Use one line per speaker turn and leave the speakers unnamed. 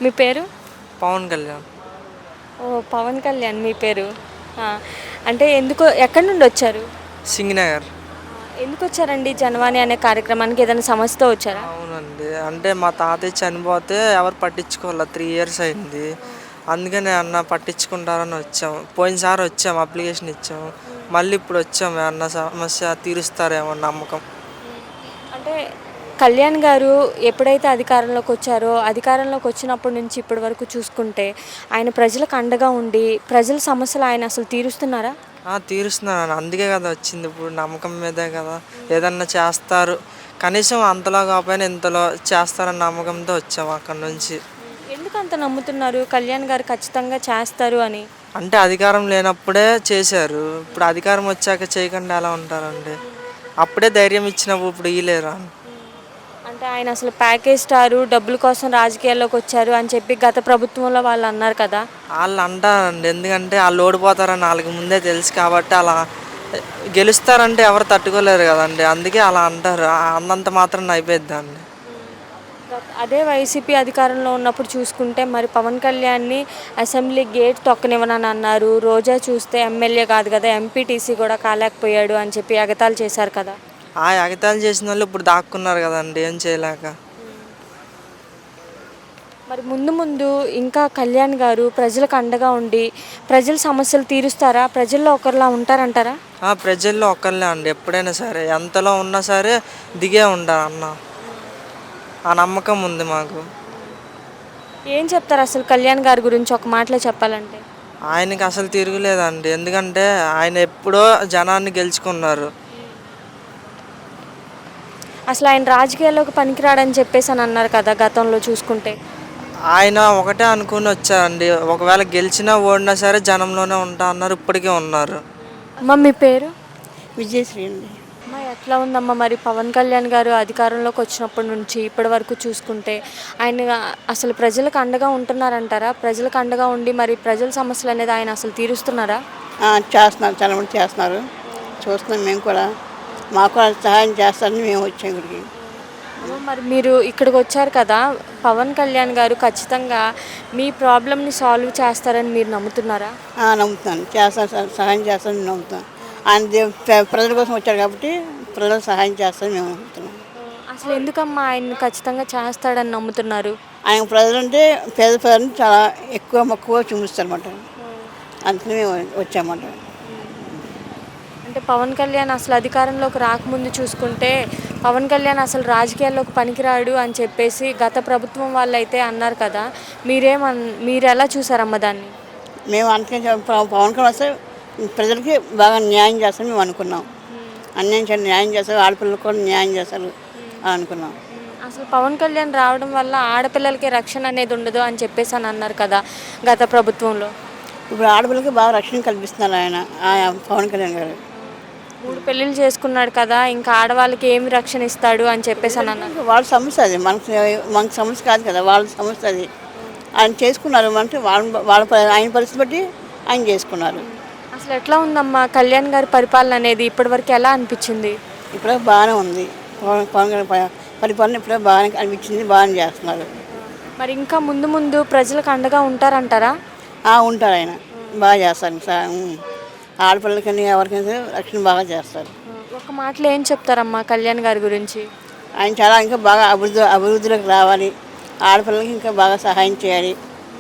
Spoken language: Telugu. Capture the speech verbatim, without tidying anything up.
మీ పేరు?
పవన్ కళ్యాణ్.
ఓ పవన్ కళ్యాణ్ మీ పేరు. ఆ, అంటే ఎందుకు ఎక్కడి నుండి వచ్చారు?
సింగనగర్.
ఎందుకు వచ్చారండి జనవాణి అనే కార్యక్రమానికి? ఏదైనా సమస్యతో వచ్చారా?
అవునండి, అంటే మా తాతయ్య చనిపోతే ఎవరు పట్టించుకోవాలి, త్రీ ఇయర్స్ అయింది. అందుకని అన్న పట్టించుకుంటారని వచ్చాం. పోయినసారి వచ్చాం, అప్లికేషన్ ఇచ్చాం. మళ్ళీ ఇప్పుడు వచ్చాం, అన్న సమస్య తీరుస్తారేమో నమ్మకం.
అంటే కళ్యాణ్ గారు ఎప్పుడైతే అధికారంలోకి వచ్చారో, అధికారంలోకి వచ్చినప్పటి నుంచి ఇప్పటి వరకు చూసుకుంటే ఆయన ప్రజలకు అండగా ఉండి ప్రజల సమస్యలు ఆయన అసలు తీరుస్తున్నారా?
తీరుస్తున్నాను, అందుకే కదా వచ్చింది. ఇప్పుడు నమ్మకం మీదే కదా ఏదన్నా చేస్తారు, కనీసం అంతలో కాకపోయినా ఇంతలో చేస్తారన్న నమ్మకంతో వచ్చాము అక్కడ నుంచి.
ఎందుకు అంత నమ్ముతున్నారు కళ్యాణ్ గారు ఖచ్చితంగా చేస్తారు అని?
అంటే అధికారం లేనప్పుడే చేశారు, ఇప్పుడు అధికారం వచ్చాక చేయకుండా ఎలా ఉంటారండి? అప్పుడే ధైర్యం ఇచ్చినప్పుడు ఇప్పుడు ఇయ్యలేరా?
అంటే ఆయన అసలు ప్యాకేజ్ స్టారు, డబ్బుల కోసం రాజకీయాల్లోకి వచ్చారు అని చెప్పి గత ప్రభుత్వంలో వాళ్ళు అన్నారు కదా.
వాళ్ళు అంటారండి, ఎందుకంటే వాళ్ళు ఓడిపోతారని వాళ్ళకి ముందే తెలుసు కాబట్టి అలా. గెలుస్తారంటే ఎవరు తట్టుకోలేరు కదండి, అందుకే అలా అంటారు. అన్నంత మాత్రం అయిపోయిద్దండి.
అదే వైసీపీ అధికారంలో ఉన్నప్పుడు చూసుకుంటే మరి పవన్ కళ్యాణ్ని అసెంబ్లీ గేట్ తొక్కనివ్వనని అన్నారు. రోజా చూస్తే ఎమ్మెల్యే కాదు కదా, ఎంపీటీసీ కూడా కాలేకపోయాడు అని చెప్పి ఎగతాళి చేశారు కదా.
ఆ ఎగతాళి చేసిన వాళ్ళు ఇప్పుడు దాక్కున్నారు కదండి, ఏం చేయలేక.
మరి ముందు ముందు ఇంకా కళ్యాణ్ గారు ప్రజలకు అండగా ఉండి ప్రజల సమస్యలు తీరుస్తారా? ప్రజల్లో ఒకరిలా ఉంటారంటారా?
ప్రజల్లో ఒకళ్ళే అండి, ఎప్పుడైనా సరే ఎంతలో ఉన్నా సరే దిగే ఉండాలి అన్న, ఆ నమ్మకం ఉంది మాకు.
ఏం చెప్తారు అసలు కళ్యాణ్ గారి గురించి ఒక మాటలో చెప్పాలంటే?
ఆయనకి అసలు తిరుగులేదండి, ఎందుకంటే ఆయన ఎప్పుడో జనాన్ని గెలుచుకున్నారు.
అసలు ఆయన రాజకీయాల్లోకి పనికిరాడని చెప్పేసి అని అన్నారు కదా గతంలో చూసుకుంటే.
ఆయన ఒకటే అనుకుని వచ్చారండి, ఒకవేళ గెలిచినా ఓడినా సరే జనంలోనే ఉంటా అన్నారు, ఇప్పటికే ఉన్నారు.
అమ్మ మీ పేరు?
విజయశ్రీ అండి.
అమ్మ ఎట్లా ఉందమ్మా మరి పవన్ కళ్యాణ్ గారు అధికారంలోకి వచ్చినప్పటి నుంచి ఇప్పటి వరకు చూసుకుంటే ఆయన అసలు ప్రజలకు అండగా ఉంటున్నారంటారా? ప్రజలకు అండగా ఉండి మరి ప్రజల సమస్యలు అనేది ఆయన అసలు తీరుస్తున్నారా?
చేస్తున్నారు, చాలా మంది చేస్తున్నారు, చూస్తున్నాం మేము కూడా. మాకు కూడా సహాయం చేస్తారని మేము వచ్చాం ఇక్కడికి.
మరి మీరు ఇక్కడికి వచ్చారు కదా, పవన్ కళ్యాణ్ గారు ఖచ్చితంగా మీ ప్రాబ్లమ్ని సాల్వ్ చేస్తారని మీరు నమ్ముతున్నారా?
నమ్ముతున్నాను, చేస్తారు, సహాయం చేస్తారని నమ్ముతాను. ఆయన ప్రజల కోసం వచ్చారు కాబట్టి ప్రజలకు సహాయం చేస్తారని మేము నమ్ముతున్నాం.
అసలు ఎందుకమ్మా ఆయన ఖచ్చితంగా చేస్తాడని నమ్ముతున్నారు?
ఆయన ప్రజలంటే పేద ప్రజలను చాలా ఎక్కువ మక్కువ చూపిస్తారన్నమాట, అందుకని మేము వచ్చామన్నమాట.
అంటే పవన్ కళ్యాణ్ అసలు అధికారంలోకి రాకముందు చూసుకుంటే పవన్ కళ్యాణ్ అసలు రాజకీయాల్లోకి పనికిరాడు అని చెప్పేసి గత ప్రభుత్వం వాళ్ళు అయితే అన్నారు కదా, మీరేమన్ మీరు ఎలా చూసారమ్మ దాన్ని?
మేము అందుకని పవన్ కళ్యాణ్ వస్తే ప్రజలకి బాగా న్యాయం చేస్తారని మేము అనుకున్నాం. అన్యాయం చేయాలి, న్యాయం చేస్తారు, ఆడపిల్లలకు కూడా న్యాయం చేస్తారు అని అనుకున్నాం.
అసలు పవన్ కళ్యాణ్ రావడం వల్ల ఆడపిల్లలకి రక్షణ అనేది ఉండదు అని చెప్పేసి అని అన్నారు కదా గత ప్రభుత్వంలో.
ఇప్పుడు ఆడపిల్లలకి బాగా రక్షణ కల్పిస్తున్నారు ఆయన పవన్ కళ్యాణ్ గారు.
మూడు పెళ్ళిళ్ళు చేసుకున్నాడు కదా, ఇంకా ఆడవాళ్ళకి ఏమి రక్షణ ఇస్తాడు అని చెప్పేసి అని అన్నారు.
వాళ్ళ సమస్య అది, మనకు మనకు సమస్య కాదు కదా, వాళ్ళ సమస్య అది. ఆయన చేసుకున్నారు అంటే వాళ్ళ వాళ్ళ ఆయన పరిస్థితి బట్టి ఆయన చేసుకున్నారు.
అసలు ఎట్లా ఉందమ్మా కళ్యాణ్ గారి పరిపాలన అనేది ఇప్పటివరకు ఎలా అనిపించింది?
ఇప్పుడే బాగానే ఉంది, పవన్ పవన్ కళ్యాణ్ పరిపాలన ఇప్పుడే బాగానే అనిపించింది, బాగానే చేస్తున్నారు.
మరి ఇంకా ముందు ముందు ప్రజలకు అండగా ఉంటారంటారా?
ఉంటారు, ఆయన బాగా చేస్తారు. ఆడపిల్లలకని ఎవరికైనా రక్షణ బాగా చేస్తారు.
ఒక మాటలో ఏం చెప్తారమ్మా కళ్యాణ్ గారి గురించి?
ఆయన చాలా ఇంకా బాగా అభివృద్ధి అభివృద్ధిలోకి రావాలి, ఆడపిల్లలకి ఇంకా బాగా సహాయం చేయాలి.